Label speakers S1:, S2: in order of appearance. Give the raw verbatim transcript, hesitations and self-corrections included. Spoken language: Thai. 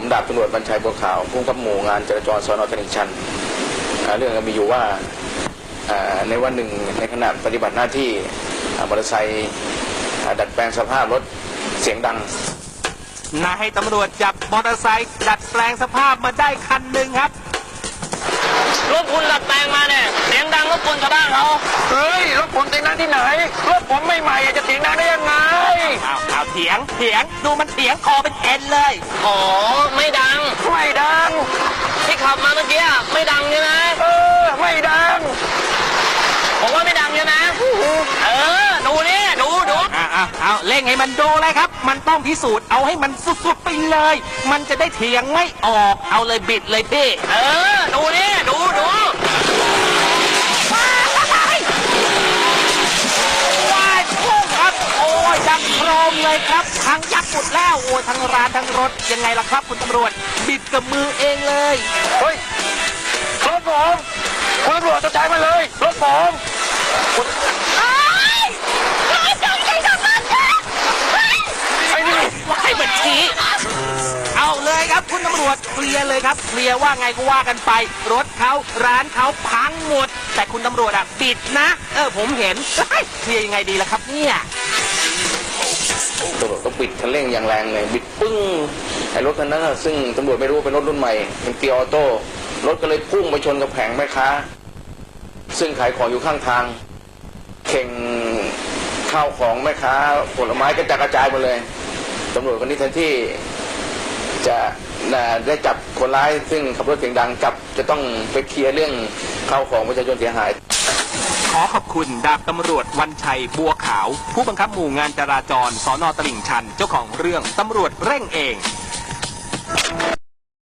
S1: ดาบตำรวจบรรชัยบัวขาวผู้กำกับหมู่งานจราจรสน.ตลิ่งชันเรื่องมีอยู่ว่าในวันหนึ่งในขณะปฏิบัติหน้าที่มอเตอร์ไซค์ดัดแปลงสภาพรถเสียงดัง
S2: นายให้ตำรวจจับมอเตอร์ไซค์ดัดแปลงสภาพมาได้คันหนึ่งครับ
S3: รถคุณดัดแปลงมาเนี่ยเสียงดังรบกวนชาวบ้านเขา
S4: เฮ้ยรถผมเสียงดังที่ไหนรถผมไม่ใหม่จะเสียงดังได้ยังไง
S2: อ้าวอ้าวเถียงเถียงดูมันเถียงคอเป็นเอ็นเลย
S3: อ๋อไม่ดัง
S4: ไม่ดัง
S3: ที่ขับมาเมื่อกี้ไม่ดังใช่ไหม
S4: เออไม่ดัง
S3: ผมว่าไม่ดังใช่ไหมเออดูนี่ดูดู
S2: อ่าอ่าเอาเล่งให้มันดูเลยครับมันต้องพิสูจน์เอาให้มันสุดๆไปเลยมันจะได้เถียงไม่ออกเอาเลยบิดเลยพี่
S3: เออดูนี่ดูดู
S2: ว้ายพุ่งครับโอ้ยดังโครมเลยครับทั้งยักษ์หมดแล้วโอ้ยทั้งร้านทั้งรถยังไงล่ะครับคุณตำรวจบิดกับมือเองเลย
S4: เฮ้ยรถผมคุณตำรวจจะจ่ายมาเลยรถผม
S2: ให้บัญชีเอาเลยครับคุณตำรวจเคลียร์เลยครับเคลียร์ว่าไงก็ว่ากันไปรถเขาร้านเขาพังหมดแต่คุณตำรวจอ่ะปิดนะเออผมเห็นเคลียร์ยังไงดีล่ะครับเนี่ย
S1: ตำรวจก็ปิดคันเร่งอย่างแรงเลยบิดปึ้งไอ้รถคันนั้นซึ่งตำรวจไม่รู้เป็นรถรุ่นใหม่เป็นเกียร์ออโต้รถก็เลยพุ่งไปชนกับแผงแม่ค้าซึ่งขายของอยู่ข้างทางเข่งข้าวของแม่ค้าผลไม้กระจายกระจายหมดเลยตำรวจคนนี้แทนที่จะได้จับคนร้ายซึ่งขับรถเสียงดังจับจะต้องไปเคลียร์เรื่องข้าวของประชาชนเสียหาย
S2: ขอขอบคุณดาบตำรวจวันชัยบัวขาวผู้บังคับหมู่งานจราจรสน.ตลิ่งชันเจ้าของเรื่องตำรวจเร่งเอง